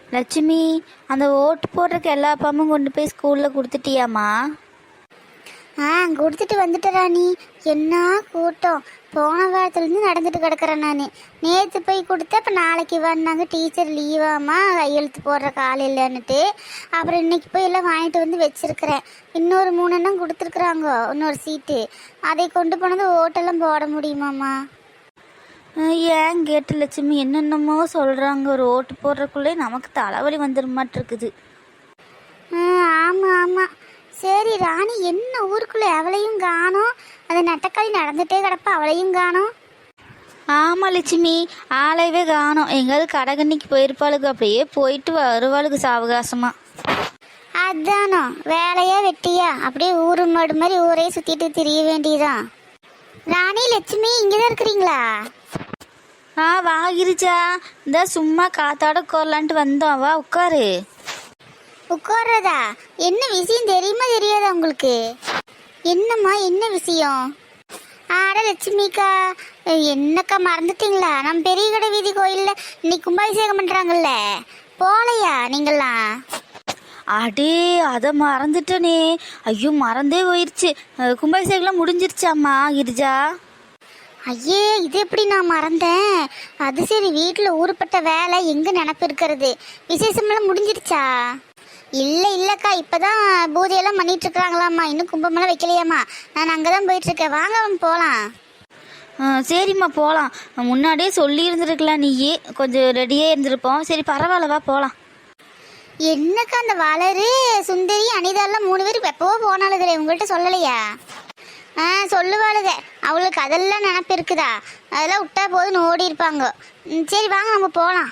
லட்சுமி, அந்த ஓட்டு போடுறதுக்கு எல்லா அப்பாமும் கொண்டு போய் ஸ்கூலில் கொடுத்துட்டியாம்மா? கொடுத்துட்டு வந்துட்டேன் ராணி. என்ன கூட்டம்! போன வாரத்துலேருந்து நடந்துட்டு கிடக்குறேன் நான். நேற்று போய் கொடுத்தேன். இப்போ நாளைக்கு வந்தாங்க, டீச்சர் லீவாம்மா, கையெழுத்து போடுற கால் இல்லைன்னுட்டு. அப்புறம் இன்னைக்கு போய் எல்லாம் வாங்கிட்டு வந்து வச்சிருக்கிறேன். இன்னொரு 3 எண்ணம் கொடுத்துருக்குறாங்க, இன்னொரு சீட்டு. அதை கொண்டு போனது ஓட்டெல்லாம் போட முடியுமாம்மா? ஏன் கேட்டு லட்சுமி, என்னென்னமோ சொல்கிறாங்க. ஒரு ஓட்டு போடுறதுக்குள்ளே நமக்கு தலைவலி வந்துருமாட்டிருக்குது. ஆமாம் ஆமாம். சரி ராணி, என்ன ஊருக்குள்ளே அவளையும் காணோம்? அந்த நெட்டக்காளி நடந்துகிட்டே கிடப்பா, அவளையும் காணோம். ஆமாம் லட்சுமி, ஆளையவே காணோம். எங்கேயாவது கடைகண்ணிக்கு போயிருப்பாளுக்கு, அப்படியே போயிட்டு வருவாளுக்கு சாவகாசமாக. அதானோ வேலையா வெட்டியா அப்படியே ஊரு மாடு மாதிரி ஊரே சுற்றிட்டு திரிய வேண்டியதான். ராணி, லட்சுமி இங்கே தான் இருக்கிறீங்களா? வாகிருச்சா, இந்த சும்மா காத்தாட உட்காரலான்ட்டு வந்தோம். வா உட்காரு. உட்கார்றதா? என்ன விஷயம் தெரியுமா தெரியாதா உங்களுக்கு? என்னம்மா, என்ன விஷயம்? ஆட லட்சுமிக்கா, என்னக்கா மறந்துட்டீங்களா? நம்ம பெரிய கடை வீதி கோயிலில் இன்னைக்கு கும்பாபிஷேகம் பண்ணுறாங்கல்ல, போகலையா நீங்களாம்? அடே, அதை மறந்துட்டனே. ஐயோ, மறந்தே போயிடுச்சு. கும்பாபிஷேகம்லாம் முடிஞ்சிருச்சாம்மா கிரிஜா? ஐயே, இது எப்படி நான் மறந்தேன்? அது சரி, வீட்டில் ஊருப்பட்ட வேலை எங்கே நினப்பு இருக்கிறது? விசேஷமெல்லாம் முடிஞ்சிருச்சா? இல்லைக்கா, இப்போதான் பூஜையெல்லாம் பண்ணிட்டு இருக்கிறாங்களாம்மா, இன்னும் கும்பமெல்லாம் வைக்கலையாம்மா. நான் அங்கே தான் போயிட்டுருக்கேன். வாங்க போகலாம். சரிம்மா போகலாம். முன்னாடியே சொல்லி இருந்துருக்கலாம், நீயே கொஞ்சம் ரெடியாக இருந்திருப்போம். சரி பரவாயில்லவா போகலாம். என்னக்கா, அந்த வளரு, சுந்தரி, அனிதாலாம் 3 பேர் எப்போவோ போனாலுங்களே, உங்கள்கிட்ட சொல்லலையா? சொல்லுவாளுங்க, அவளுக்கு அதெல்லாம் நினப்பு இருக்குதா? அதெல்லாம் விட்டா போதுன்னு ஓடி இருப்பாங்க. சரி வாங்க நம்ம போகலாம்.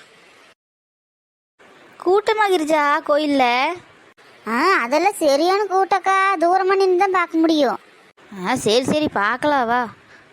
கூட்டமாக கிரிஜா கோயிலில்? அதெல்லாம் சரியான கூட்டக்கா, தூரமாக நின்று தான் பார்க்க முடியும். சரி பார்க்கலாம் வா.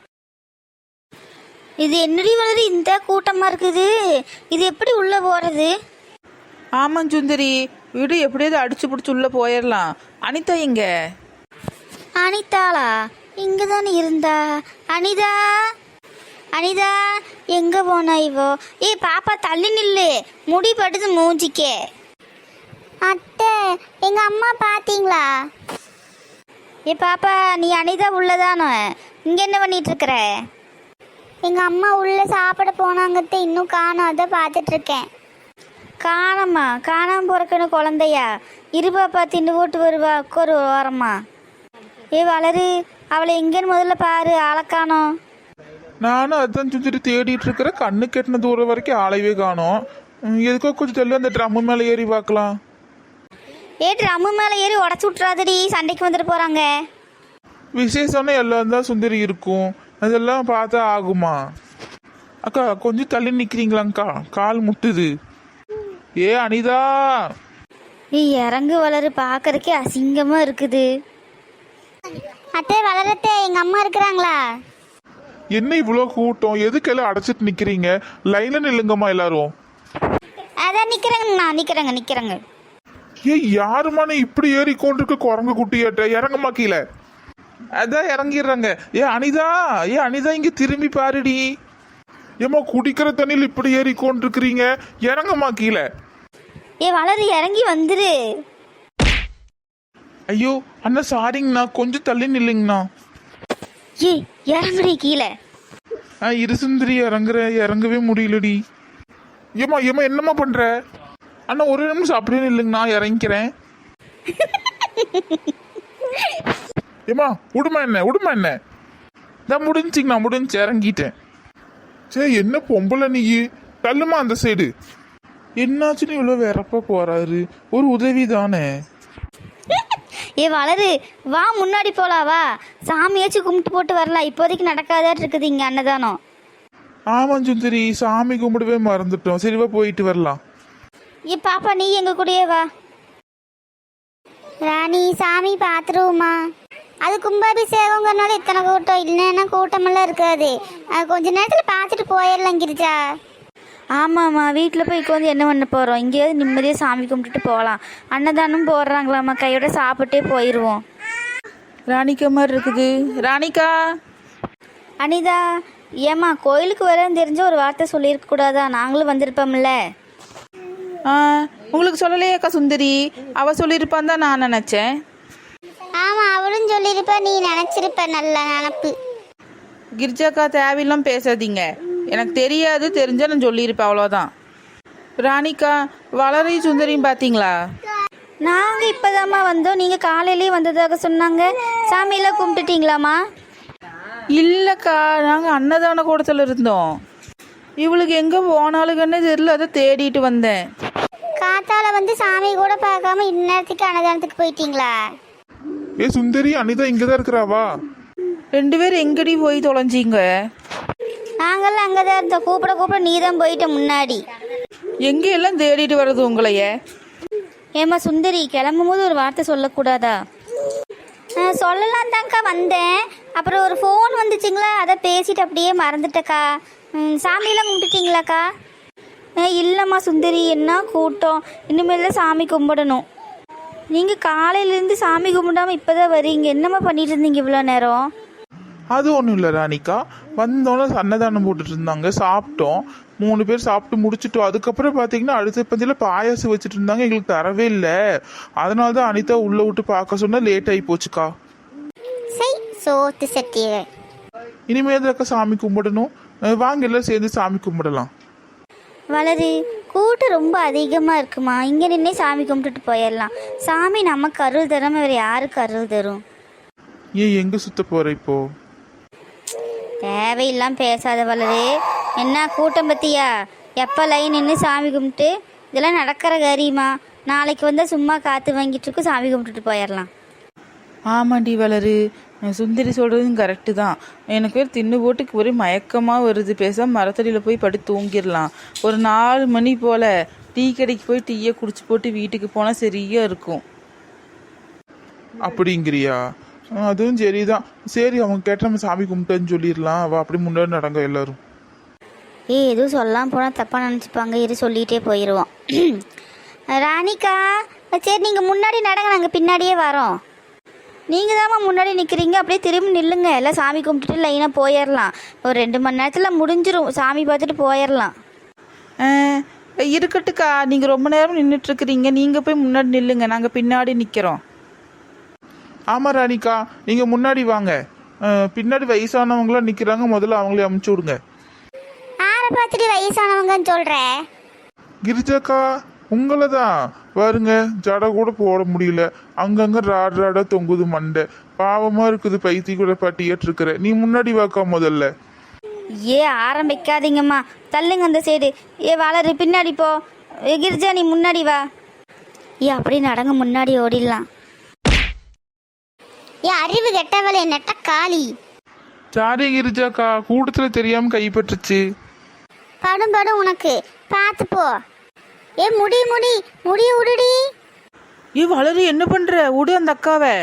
இது என்னடி வளரு, இந்த கூட்டமாக இருக்குது? இது எப்படி உள்ளே போகிறது? ஆமாம் சுந்தரி, வீடு எப்படியாவது அடிச்சு பிடிச்சி உள்ளே போயிடலாம். அனிதா எங்க? அனிதாளா? இங்கே தானே இருந்தா. அனிதா, அனிதா எங்கே போனா இவோ? பாப்பா தள்ளி நில்லு, முடி படுது மூஞ்சிக்கே. அத்தை, எங்கள் அம்மா பார்த்தீங்களா? பாப்பா, நீ அனிதா உள்ளதானோ? இங்கே என்ன பண்ணிட்டு இருக்கிற? எங்கள் அம்மா உள்ளே சாப்பிட போனாங்கத்தை, இன்னும் காணோம், அதை பார்த்துட்ருக்கேன். காணாமல் போறக்குன்னு குழந்தையா? இரு பாப்பா, தின்னு போட்டு வருவா, ஒரு வாரமா. வளரு, அவளை எங்கேன்னு முதல்ல பாரு, ஆளக்கானோம். நானும் அதுதான் சுற்றிட்டு தேடிட்டு இருக்கிறேன். கண்ணு கெட்டின தூரம் வரைக்கும் ஆளையவே காணோம். எதுக்கோ கொஞ்சம் சொல்லி அந்த ட்ரம்மு மேலே ஏறி பார்க்கலாம். ட்ரம்மு மேலே ஏறி உடச்சி விட்றாதடி, சண்டைக்கு வந்துட்டு போகிறாங்க. விசேஷம்னா எல்லாம் தான் சுந்தரி இருக்கும், அதெல்லாம் பார்த்தா ஆகுமா? அக்கா கொஞ்சம் தள்ளி நிற்கிறீங்களாங்க்கா, கால் முட்டுது. அனிதா, இறங்கு வளரு, பார்க்கறக்கே அசிங்கமாக இருக்குது. அத்தை, வளரத்தே, எங்கள் அம்மா இருக்கிறாங்களா? என்ன இவ்வளோ கூட்டம்? எதுக்கெல்லாம் அடைச்சிட்டு நிற்கிறீங்க? லைனில் நில்லுங்கம்மா எல்லாரும். அதான் நிற்கிறேங்க. யாருமான இப்படி ஏறி கொண்டிருக்க குரங்கு குட்டியாட்ட? இறங்கம்மா கீழே. அதான் இறங்கிடுறாங்க. அனிதா இங்க திரும்பி பாருடி. ஏமா, குடிக்கிற தண்ணியில் இப்படி ஏறி கொண்டிருக்கிறீங்க, இறங்கம்மா கீழே. வளரு, இறங்கி வந்துரு. ஐயோ அண்ணா, சாரிங்கண்ணா, கொஞ்சம் தள்ளி நில்லுங்கண்ணா. இறங்குறீ கீழே. இரு சுந்தரி, இறங்கவே முடியலடி. ஏமா என்னம்மா பண்ற? அண்ணா ஒரு நிமிஷம் அப்படியே நில்லுங்கண்ணா, இறங்கிக்கிறேன். ஏமா விடுமா என்ன? நான் முடிஞ்சு இறங்கிட்டேன். சரி, என்ன பொம்பளை நீ? தள்ளுமா அந்த சைடு. என்னாச்சுன்னு இவ்வளோ வெறப்பா போறாரு? ஒரு உதவி தானே. வளரு, வா முன்னாடி போலாம், வா சாமியாச்சும் கும்பிட்டு போட்டு வரலாம். இப்போதைக்கு நடக்காதான் இருக்குது இங்கே அன்னதானம். ஆமாம் சுந்தரி, சாமி கும்பிடவே மறந்துட்டோம். சரிவா போயிட்டு வரலாம். பாப்பா, நீ எங்க கூடயே வா. ராணி, சாமி பார்த்துருவோமா? அது கும்பாபிஷேகங்கிறனால இத்தனை கூட்டம், இல்லைன்னா கூட்டமெல்லாம் இருக்காது. கொஞ்ச நேரத்தில் பார்த்துட்டு போயிடலாம் கிரிஜா. ஆமாம்மா, வீட்டில் போய் உட்காந்து என்ன பண்ண போகிறோம்? இங்கேயாவது நிம்மதியாக சாமி கும்பிட்டுட்டு போகலாம். அன்னதானம் போடுறாங்களாம்மா, கையோட சாப்பிட்டே போயிடுவோம். ராணிக்கா மாதிரி இருக்குது. ராணிக்கா. அனிதா, ஏம்மா கோயிலுக்கு வரேன்னு தெரிஞ்ச ஒரு வார்த்தை சொல்லியிருக்க கூடாதா? நாங்களும் வந்திருப்போம்ல. ஆ, உங்களுக்கு சொல்லலையேக்கா சுந்தரி, அவ சொல்லியிருப்பான்னு தான் நான் நினச்சேன். ஆமா, அவளும் சொல்லியிருப்ப, நீ நினைச்சிருப்ப. நல்ல நினப்பு. கிரிஜாக்கா தேவையில்லாம் பேசாதீங்க, எனக்கு தெரியாது, தெரிஞ்சா நான் சொல்லியிருப்பேன், அவ்வளோதான். ராணிக்கா, வளரையும் சுந்தரியும் பார்த்தீங்களா? நாங்கள் இப்போதாம்மா வந்தோம். நீங்கள் காலையிலேயே வந்ததாக சொன்னாங்க. சாமியெல்லாம் கும்பிட்டுட்டீங்களாம்மா? இல்லைக்கா, நாங்கள் அன்னதான கூடத்தில் இருந்தோம். இவளுக்கு எங்கே போனாலுங்கன்னு தெரியல, அதை தேடிட்டு வந்தேன். காத்தால வந்து சாமி கூட பார்க்காம இந்நேரத்துக்கு அன்னதானத்துக்கு போயிட்டீங்களா? ஏ சுந்தரி, அனிதா இங்கதான் இருக்கிறாவா? 2 பேரும் எங்கடி போய் தொலைஞ்சிங்க? நாங்கள்லாம் அங்கே தான் இருந்தோம். கூப்பிட நீ தான் போயிட்ட முன்னாடி. எங்கே எல்லாம் தேடிட்டு வர்றது உங்களைய? ஏம்மா சுந்தரி, கிளம்பும் போது ஒரு வார்த்தை சொல்லக்கூடாதா? சொல்லலாம் தான்க்கா வந்தேன். அப்புறம் ஒரு ஃபோன் வந்துச்சுங்களா, அதை பேசிட்டு அப்படியே மறந்துட்டக்கா. சாமியெல்லாம் கும்பிட்டுட்டீங்களாக்கா? இல்லைம்மா சுந்தரி, என்ன கூட்டம். இனிமேல் தான் சாமி கும்பிடணும். நீங்கள் காலையிலேருந்து சாமி கும்பிடாமல் இப்போ தான் வரீங்க. என்னம்மா பண்ணிட்டு இருந்தீங்க இவ்வளோ நேரம்? அது ஒன்றும் இல்லை ராணிக்கா, வந்தோன்னே அன்னதானம் போட்டுட்டு இருந்தாங்க, சாப்பிட்டோம். 3 பேர் சாப்பிட்டு முடிச்சிட்டோம். அதுக்கப்புறம் பார்த்தீங்கன்னா அடுத்த பந்தியில் பாயாசம் வச்சுட்டு இருந்தாங்க, எங்களுக்கு தரவே இல்லை. அதனால தான் அனிதா உள்ளே விட்டு பார்க்க சொன்னால் லேட் ஆகி போச்சுக்கா. சரி, சோத்து சட்டிய. இனிமேல் தான் சாமி கும்பிடணும். வாங்க எல்லாம் சேர்ந்து சாமி கும்பிடலாம். வளரு, கூட்டம் ரொம்ப அதிகமாக இருக்குமா. இங்கே நின்னே சாமி கும்பிட்டுட்டு போயிடலாம். சாமி நமக்கு அருள் தராம வேறு யாருக்கு அருள் தரும்? ஏன் எங்கே சுத்த போகிற இப்போ? தேவையில்லாம் பேசாத வளரு. என்ன கூட்டம் பற்றியா? எப்போ லைன் நின்று சாமி கும்பிட்டு இதெல்லாம் நடக்கிற காரியமா? நாளைக்கு வந்தால் சும்மா காற்று வாங்கிட்டு இருக்கு, சாமி கும்பிட்டுட்டு போயிடலாம். ஆமாண்டி வளரு, சுந்தரி சொல்கிறதும் கரெக்டு தான். எனக்கு வேறு தின்னு போட்டுக்கு ஒரே மயக்கமாக வருது. பேசாமல் மரத்தடியில் போய் படுத்து தூங்கிடலாம். ஒரு 4 மணி போல் டீ கடைக்கு போய் டீயை குடிச்சு போட்டு வீட்டுக்கு போனால் சரியாக இருக்கும். அப்படிங்கிறியா? அதுவும் சரிதான். சரி, அவங்க கேட்ட நம்ம சாமி கும்பிட்டேன்னு சொல்லிடலாம். அவள் அப்படி முன்னாடி நடங்க எல்லாரும். எதுவும் சொல்லாமல் போனால் தப்பாக நினச்சிப்பாங்க. இரு, சொல்லிகிட்டே போயிடுவோம். ராணிக்கா, சரி நீங்கள் முன்னாடி நடங்க, நாங்கள் பின்னாடியே வரோம். நீங்கள் தாம்மா முன்னாடி நிற்கிறீங்க, அப்படியே திரும்பி நில்லுங்க. எல்லாம் சாமி கும்பிட்டுட்டு லைனாக போயிடலாம். ஒரு 2 மணி நேரத்தில் முடிஞ்சிடும், சாமி பார்த்துட்டு போயிடலாம். இருக்கட்டுக்கா, நீங்கள் ரொம்ப நேரம் நின்றுட்டுருக்குறீங்க, நீங்கள் போய் முன்னாடி நில்லுங்க, நாங்கள் பின்னாடி நிற்கிறோம். ஆமாம் ராணிக்கா, நீங்கள் முன்னாடி வாங்க. பின்னாடி வயசானவங்களாம் நிற்கிறாங்க, முதல்ல அவங்களே அமுச்சு விடுங்க. ஆரை பார்த்துட்டு வயசானவங்கன்னு சொல்ற? கிரிஜாக்கா, உங்களை தான் பாருங்க, ஜடை கூட போட முடியல, அங்கங்க ராடா தொங்குது மண்டை. பாவமா இருக்குது, பைத்தி கூட பட்டியட்டு இருக்கிற. நீ முன்னாடி வாக்கா முதல்ல. ஆரம்பிக்காதீங்கம்மா, தள்ளுங்க அந்த சைடு. வளரு, பின்னாடி போ. கிரிஜா, நீ முன்னாடி வா. அப்படி நடங்க, முன்னாடி ஓடிடலாம். அறிவு கெட்டவளே, நெட்ட காளி. சாரி கிரிஜாக்கா, கூட்டத்துல தெரியாம கைப்பற்றுச்சு. படும் உனக்கு, பார்த்து போ. முடி உடுடி. வளரு, என்ன பண்ணுற? விடு அந்த அக்காவை.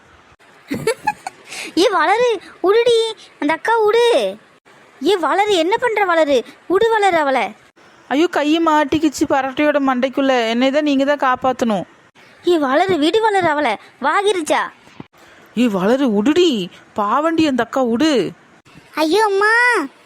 வளரு, உடுடி அந்த அக்கா, உடு. வளரு, என்ன பண்ணுற வளரு? உடு வளரு அவளை. ஐயோ, கையை மாட்டிக்கிச்சு பரட்டையோட மண்டைக்குள்ள. என்னை தான் நீங்கள் தான் காப்பாற்றணும். வளரு, விடு வளரு அவளை. வாகிருச்சா? வளரு, உடுடி, பாவண்டி அந்த அக்கா, உடு. ஐயோ அம்மா,